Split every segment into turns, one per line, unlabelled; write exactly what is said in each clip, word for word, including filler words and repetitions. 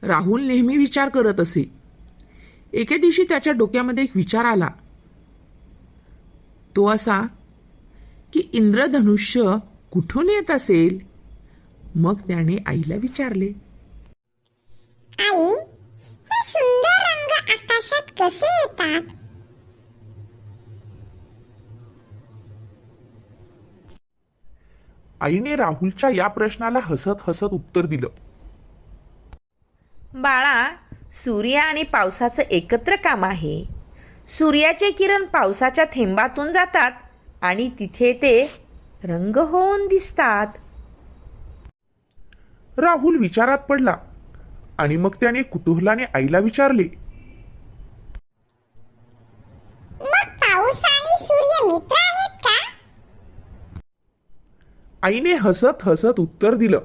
राहुल नेहमी विचार करत असे. एके दिवशी त्याच्या डोक्यामध्ये एक विचार आला. तो असा की इंद्रधनुष्य कुठून येत असेल. मग त्याने आईला विचारले,
आई, हे सुंदर रंग आकाशात कसे येतात?
आईने राहुलच्या या प्रश्नाला हसत हसत उत्तर दिलं.
बाळा, सूर्य आणि पावसाचं एकत्र काम आहे. सूर्याचे किरण पावसाच्या थेंबातून जातात आणि तिथे ते रंग होऊन दिसतात.
राहुल विचारात पडला आणि मग त्याने कुतूहलाने आईला विचारले,
मग पाऊस आणि सूर्य मित्र आहेत का?
आईने हसत हसत उत्तर दिलं,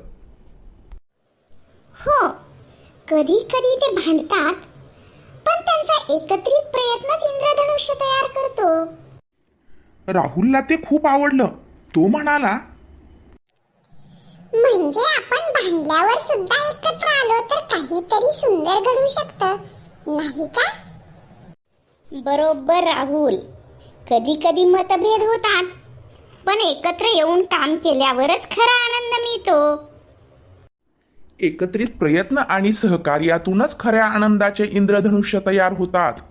हो, कधी कधी ते भांडतात, पण त्यांचा एकत्रित प्रयत्नच इंद्रधनुष्य तयार करतो.
राहुलला ते खूप आवडलं. तो म्हणाला,
म्हणजे आपण भांडल्यावर सुद्धा एकत्र आलो तर काहीतरी सुंदर घडू शकतं, नाही का? बरोबर राहुल. कधी कधी मतभेद होतात, पण एकत्र येऊन काम केल्यावरच खरा आनंद मिळतो.
एकत्रित प्रयत्न आणि सहकार्यातूनच खऱ्या आनंदाचे इंद्रधनुष्य तयार होतात.